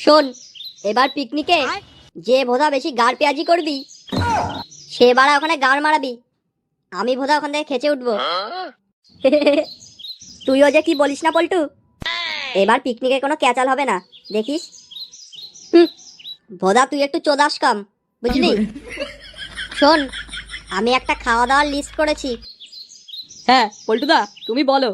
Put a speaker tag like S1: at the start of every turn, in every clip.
S1: শোন, এবার পিকনিকে যে ভোদা বেশি গাড় পেঁয়াজি করবি সে বাড়া ওখানে গাড় মারাবি, আমি ভোদা ওখান থেকে খেচে উঠবো। তুইও যে কি বলিস না পল্টু, এবার পিকনিকে কোনো ক্যাচাল হবে না, দেখিস। ভোদা তুই একটু চোদাস কম, বুঝলি? শোন, আমি একটা খাওয়া দাওয়ার লিস্ট করেছি।
S2: হ্যাঁ পল্টুদা, তুমি বলো।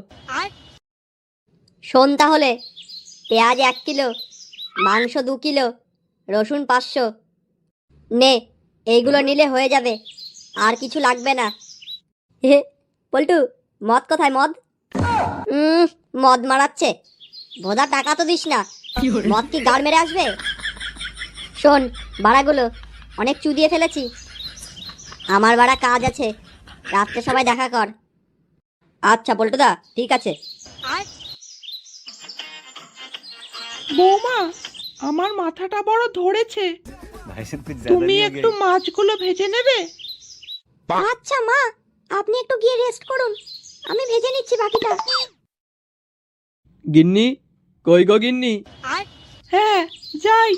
S1: শোন তাহলে, পেঁয়াজ 1 কিলো, মাংস 2 কিলো, রসুন 500। নে, এইগুলো নিলে হয়ে যাবে, আর কিছু লাগবে না। পল্টু, মদ কোথায় মদ? মদ মারাচ্ছে। ভোদা টাকা তো দিস না, মদ কি গাড় মেরে আসবে? শোন বাড়াগুলো, অনেক চুদিয়ে ফেলেছি, আমার বাড়া কাজ আছে, রাত্রে সবাই দেখা কর। আচ্ছা পল্টুদা, ঠিক আছে।
S3: বৌমা, আমার মাথাটা বড় ধরেছে, তুমি একটু মাছগুলো ভেজে নেবে?
S1: আচ্ছা মা, আপনি একটু গিয়ে রেস্ট করুন, আমি ভেজে নিচ্ছি বাকিটা।
S2: গিন্নি, কই গো গিন্নি?
S3: হ্যাঁ, যাই।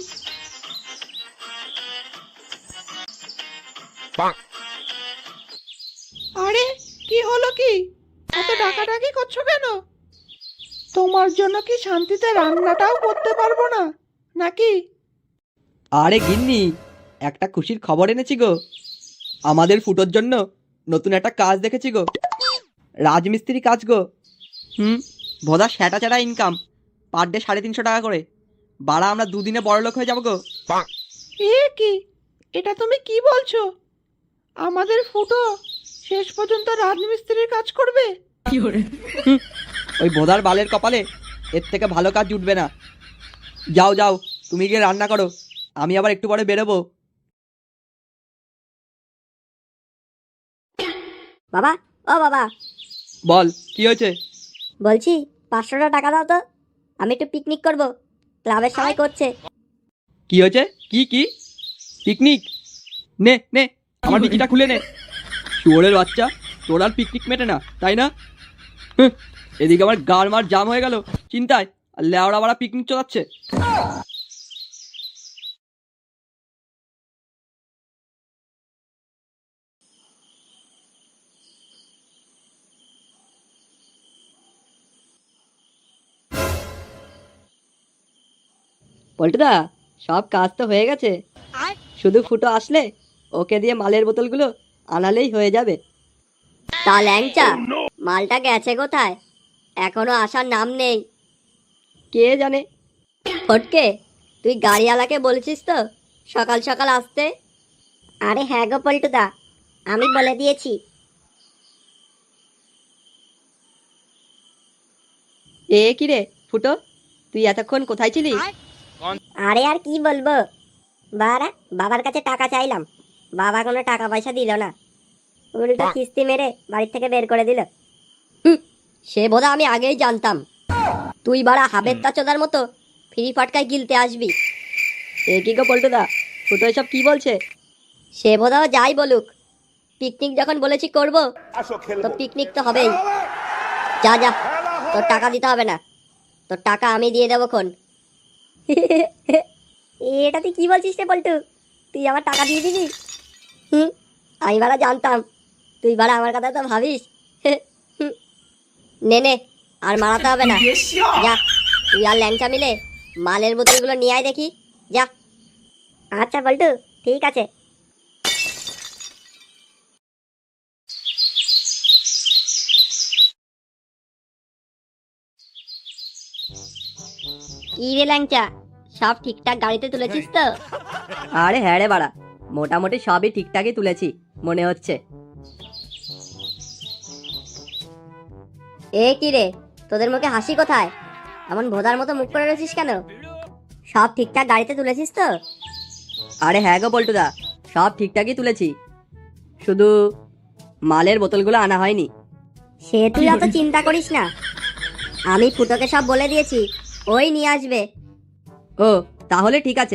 S3: আরে কি হলো, কি এত ডাকাডাকি করছো কেন? তোমার জন্য কি শান্তিতে রান্নাটাও করতে পারবো না নাকি?
S2: আরে গিন্নি, একটা খুশির খবর এনেছি গো। আমাদের ফুটোর জন্য নতুন একটা কাজ দেখেছি গো, রাজমিস্ত্রি কাজ গো। ভোদা স্যাটা চ্যাটা ইনকাম, পার ডে 350 টাকা করে। বাড়া আমরা দুদিনে বড়লোক হয়ে যাবো গো।
S3: এ কি, এটা তুমি কি বলছো? আমাদের ফুটো শেষ পর্যন্ত রাজমিস্ত্রির কাজ করবে?
S2: ওই ভোদার বালের কপালে এর থেকে ভালো কাজ জুটবে না। যাও যাও, তুমি গিয়ে রান্না করো, আমি আবার একটু পরে বেরোবো।
S1: বাবা, ও বাবা,
S2: বল, কি হয়েছে?
S1: বলছি 500 টাকা দাও তো, আমি একটু পিকনিক করব, ক্লাবের সবাই করছে।
S2: কি হয়েছে? কি কি পিকনিক? নে নে, আমার বিকিটা খুলে নে। শুয়োরের বাচ্চা, তোর আর পিকনিক মেটে না, তাই না? এদিকে আমার গাড় মার জাম হয়ে গেল চিন্তায়, আর লেওড়া বাড়া পিকনিক চলাচ্ছে। পল্টুদা, সব কাজ তো হয়ে গেছে, শুধু ফুটো আসলে ওকে দিয়ে মালের বোতলগুলো আনালেই হয়ে যাবে।
S1: তা ল্যাংচা, মালটা গেছে কোথায়? এখনো আসার নাম নেই।
S2: কে জানে।
S1: ফটকে, তুই গাড়িওয়ালাকে বলেছিস তো সকাল সকাল আসতে? আরে হ্যাঁ গো পল্টুদা, আমি বলে দিয়েছি।
S2: এ কি রে ফুটো, তুই এতক্ষণ কোথায় ছিলি?
S1: আরে আর কি বলবো, বারা বাবার কাছে টাকা চাইলাম, বাবা কোনো টাকা পয়সা দিল না, উল্টো কিস্তি মেরে বাড়ি থেকে বের করে দিল। সে বোধ আমি আগেই জানতাম, তুই বাড়া হাবের তাচোদার মতো ফ্রি ফটকায় গিলতে আসবি।
S2: এ কি গো পল্টুদা, ফুটো এসব কি বলছে?
S1: সে বোধহয় যাই বলুক, পিকনিক যখন বলেছি করব, তো পিকনিক তো হবেই। যা যা, তোর টাকা দিতে হবে না, তোর টাকা আমি দিয়ে দেবো খন। এটা তুই কি বলছিস রে পল্টু, তুই আমার টাকা দিয়ে দিবি? আমি বাড়া জানতাম তুই বাড়া আমার কথা তো ভাবিস। নে নে, আর মারাতে হবে না, যা তুই আর ল্যাংচা মিলে মালের বোতলগুলো নিয়ে আয় দেখি, যা। আচ্ছা পল্টু, ঠিক আছে। কি রে ল্যাংচা, সব ঠিকঠাক গাড়িতে তুলেছিস তো?
S2: আরে হ্যাঁ রে বাড়া, মোটামুটি সবই ঠিকঠাকই তুলেছি মনে হচ্ছে।
S1: এ কি রে, তোদের মুখে হাসি কোথায়? এমন ভোদার মতো মুখ করে রয়েছিস কেন? সব ঠিকঠাক গাড়িতে তুলেছিস তো?
S2: আরে হ্যাঁ গো পল্টুদা, সব ঠিকঠাকই তুলেছি, শুধু মালের বোতলগুলো আনা হয়নি।
S1: সে তুই অত চিন্তা করিস না, আমি ফুটোকে সব বলে দিয়েছি, ওই নিয়ে আসবে।
S2: ও, তাহলে ঠিক আছে।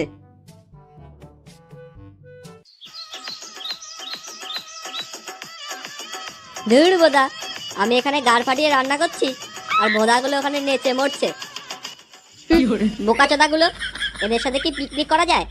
S1: ধুর বোদা, আমি এখানে গাড় ফাটিয়ে রান্না করছি আর বোদাগুলো ওখানে নেচে মরছে। বোকাচোদাগুলো, এদের সাথে কি পিকনিক করা যায়?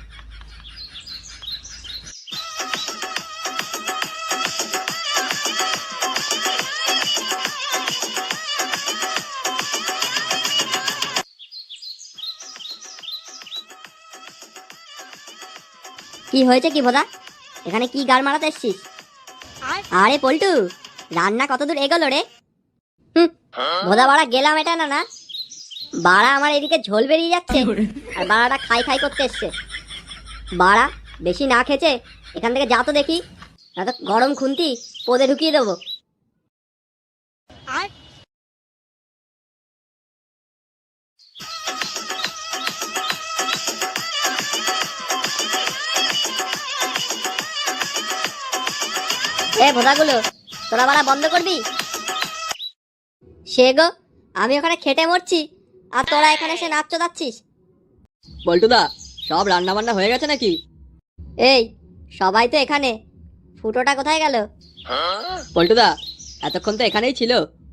S1: কি হয়েছে কি ভোদা? এখানে কি গাল মারাতে এসছিস? আরে পল্টু, রান্না কতদূর এগোলো রে? ভোদা বাড়া গেলাম এটা না না, বাড়া আমার এদিকে ঝোল বেরিয়ে যাচ্ছে আর বাড়াটা খাই খাই করতে এসছে। বাড়া বেশি না খেয়েছে এখান থেকে যা তো দেখি, না তো গরম খুন্তি পদে ঢুকিয়ে দেবো। এ ভোদাগুলো, তোরা বাড়া বন্ধ করবি? সে গো, আমি ওখানে খেটে মরছি আর তোরা এখানে এসে নাচ চোদাচ্ছিস।
S2: পল্টুদা, সব রান্না বান্না হয়ে গেছে নাকি?
S1: এই সবাই তো এখানে, ফুটোটা কোথায় গেল?
S2: পল্টুদা, এতক্ষণ তো এখানেই ছিল।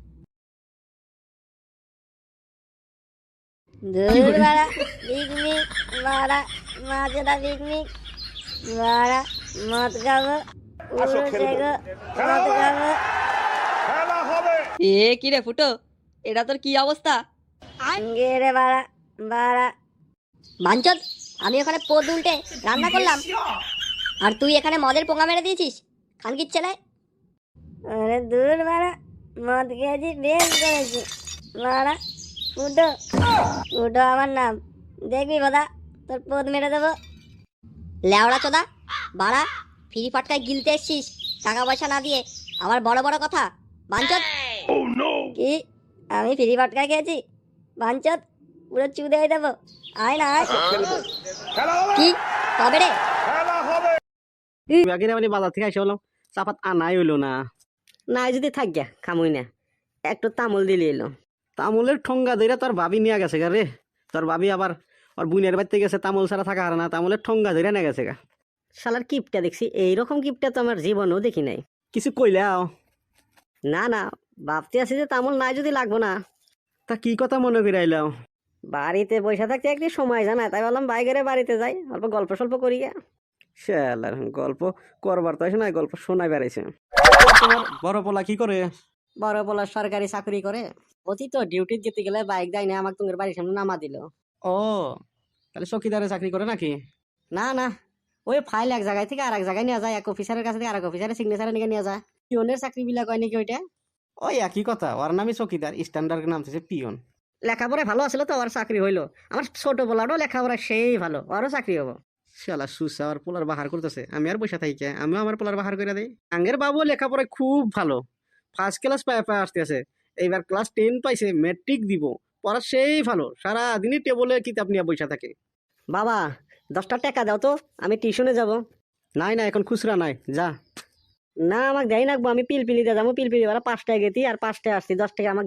S1: দূর বাড়া পিকনিক, বাড়া মাছেরা পিকনিক, বাড়া মদ খাবো, পুরো সেগো মদ খাবো।
S2: এ কি রে ফুটো, এটা তোর কি অবস্থা?
S1: গেরে বাড়া বাড়া বাঞ্চদ, আমি ওখানে পদ উল্টে রান্না করলাম আর তুই এখানে মদের পোঙা মেরে দিয়েছিস খানকির ছেলে। আরে দূর বাড়া, মদ খেয়েছি বেশ করেছি বাড়া। ফুটো, ফুটো আমার নাম, দেখবি বোধা তোর পদ মেরে দেবো। লেওড়া চোদা বাড়া, ফ্রি ফাটকায় গিলতে এসছিস টাকা পয়সা না দিয়ে, আমার বড় বড় কথা। বাঞ্চদ, কি আমি ফ্রি ফাটকায় খেয়েছি? বাঞ্চদ পুরো চুদে হয়ে দেবো, আয় না আয়। কি কবে রে?
S4: বাকিরা মানে বাজার থেকে এসে বললাম চাপাত আনাই হইলো না। নাই যদি থাক গিয়া খামুই না, একটু তামুল দিলে এলো। তামুলের ঠোঙ্গা ধরে তোর ভাবি নিয়ে গেছে গা রে। তোর ভাবি আবার ওর বুনের বাড়িতে গেছে, তামুল ছাড়া থাকা হারে না, তামুলের ঠোঙ্গা ধরে নিয়ে গেছে গা। শালার কিপটা দেখছি, এইরকম কিপটা তো আমার জীবনেও দেখি নাই। কিছু কইলাও? না না, ভাবতে আছি যে তামুল নাই যদি লাগবো না। তা কি কথা মনে করে আইলাও? বাড়িতে বসে থাকতে একটি সময় জানায়, তাই বললাম বাইরে বাড়িতে যাই, অল্প গল্প সল্প করি। শালার গল্প করবার তো আসে না, গল্প শোনাই বেড়াইছে। তোমার বড় পোলা কি করে? বড় পোলা সরকারি চাকরি করে। অতি তো ডিউটি যেতে গেলে বাইক দেয় না, আমাকে তোমার বাড়ির সামনে নামা দিল। ও, তাহলে চকিদারে চাকরি করে নাকি? না না, ওই ফাইল এক জায়গায় থেকে আর এক জায়গায় নিয়ে যায়, এক অফিসারের কাছে থেকে আর এক অফিসারের সিগনেচার নিয়ে যায়। পিওনের চাকরি বিলাক হয় নাকি ওইটা? ওই একই কথা, ওর নামই চকিদার, স্ট্যান্ডার্ড নাম হচ্ছে পিওন। লেখাপড়ায় ভালো আছিল তো ওর চাকরি হইলো। আমার ছোট পোলারও লেখাপড়া সেই ভালো, ওরও চাকরি হবো। শালা সুসা আর পোলার বাহার করতেছে, আমি আর বসে থাকি কে? আমিও আমার পোলার বাহার করে দেই। আঙ্গের বাবু লেখাপড়ায় খুব ভালো, ফার্স্ট ক্লাস পায় আসতে আছে, এইবার ক্লাস 10 পাইছে, ম্যাট্রিক দিব। পড়া সেই ভালো, সারা দিনই টেবলে কিতাব নিয়ে বসে থাকে। বাবা 10টা টাকা দাও তো, আমি টিউশনে যাব। নাই না, এখন খুচরা নাই, যা। না আমাকে দেয় নাকবো, আমি পিলপিলি দিয়ে যাবো, পিলপিলি ওরা 5টায় গেতি আর 5টায় আসছি, 10 টাকা আমাকে